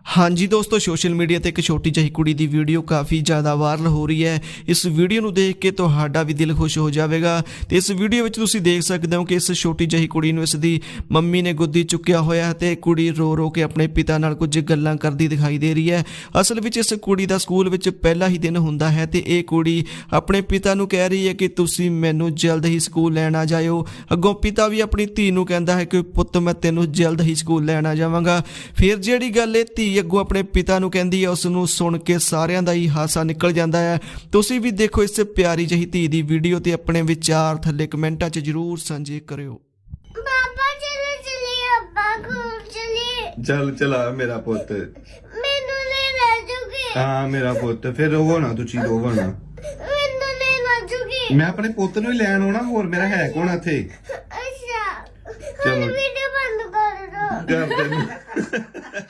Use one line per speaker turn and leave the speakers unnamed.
हाँ जी दोस्तों, social media ਤੇ ਇੱਕ ਛੋਟੀ ਜਿਹੀ ਕੁੜੀ ਦੀ ਵੀਡੀਓ ਕਾਫੀ ਜ਼ਿਆਦਾ ਵਾਇਰਲ ਹੋ ਰਹੀ ਹੈ। ਇਸ ਵੀਡੀਓ ਨੂੰ ਦੇਖ ਕੇ ਤੁਹਾਡਾ ਵੀ ਦਿਲ ਖੁਸ਼ ਹੋ ਜਾਵੇਗਾ ਤੇ ਇਸ ਵੀਡੀਓ ਵਿੱਚ ਤੁਸੀਂ ਦੇਖ ਸਕਦੇ ਹੋ ਕਿ ਇਸ ਛੋਟੀ ਜਿਹੀ ਕੁੜੀ ਨੂੰ ਇਸ ਦੀ ਮੰਮੀ ਨੇ ਗੋਦੀ ਚੁੱਕਿਆ ਹੋਇਆ ਹੈ ਤੇ ਕੁੜੀ ਰੋ ਰੋ ਕੇ ਆਪਣੇ ਪਿਤਾ ਨਾਲ ਕੁਝ ਗੱਲਾਂ ਕਰਦੀ ਦਿਖਾਈ ਦੇ ਰਹੀ ਹੈ। ਅਸਲ ਵਿੱਚ ਇਸ ਕੁੜੀ ਦਾ ਸਕੂਲ ਵਿੱਚ ਪਹਿਲਾ ਹੀ ਦਿਨ ਹੁੰਦਾ ਹੈ ਤੇ ਇਹ ਕੁੜੀ ਆਪਣੇ ਪਿਤਾ ਨੂੰ ਕਹਿ ਰਹੀ ਹੈ ਕਿ ਤੁਸੀਂ ਮੈਨੂੰ ਜਲਦ ਹੀ ਸਕੂਲ ਲੈਣ ਆ ਜਾਇਓ। ਅੱਗੋਂ ਪਿਤਾ ਵੀ ਆਪਣੀ ਧੀ ਨੂੰ ਕਹਿੰਦਾ ਹੈ ਕਿ ਪੁੱਤ ਮੈਂ ਤੈਨੂੰ ਜਲਦ ਹੀ ਸਕੂਲ ਲੈਣ ਆ ਜਾਵਾਂਗਾ। ਫਿਰ ਜਿਹੜੀ ਗੱਲ ਇਹ ਧੀ ਅੱਗੋਂ ਆਪਣੇ ਪਿਤਾ ਨੂੰ ਕਹਿੰਦੀ ਹੈ, ਉਸ ਨੂੰ ਸੁਣ ਕੇ ਸਾਰਿਆਂ ਦਾ ਹੀ ਹਾਸਾ ਨਿਕਲ ਜਾਂਦਾ ਹੈ। ਤੁਸੀਂ ਵੀ ਦੇਖੋ ਇਸ ਪਿਆਰੀ ਜਿਹੀ ਧੀ ਦੀ ਵੀਡੀਓ ਤੇ ਆਪਣੇ ਵਿਚਾਰ ਥੱਲੇ ਕਮੈਂਟਾਂ 'ਚ ਜ਼ਰੂਰ ਸਾਂਝੇ ਕਰਿਓ।
ਪਾਪਾ ਚਲੋ ਚਲੀਏ, ਅੱਪਾ ਘਰ ਚਲੀਏ।
ਚੱਲ ਚਲਾ ਮੇਰਾ ਪੁੱਤ।
ਮੈਨੂੰ ਲੈ ਜੂਗੀ।
ਹਾਂ ਮੇਰਾ ਪੁੱਤ, ਫਿਰ ਰੋਵੋ ਨਾ, ਤੁਸੀਂ ਰੋਵੋ ਨਾ।
ਮੈਨੂੰ ਲੈ ਜੂਗੀ।
ਮੈਂ ਆਪਣੇ ਪੁੱਤ ਨੂੰ ਹੀ ਲੈਣ ਆਉਣਾ, ਹੋਰ ਮੇਰਾ ਹੈ ਕੌਣ ਇੱਥੇ?
ਅੱਛਾ
ਚਲੋ।
ਵੀਡੀਓ ਬੰਦ ਕਰ ਦੋ।
ਕਰ ਦੇ।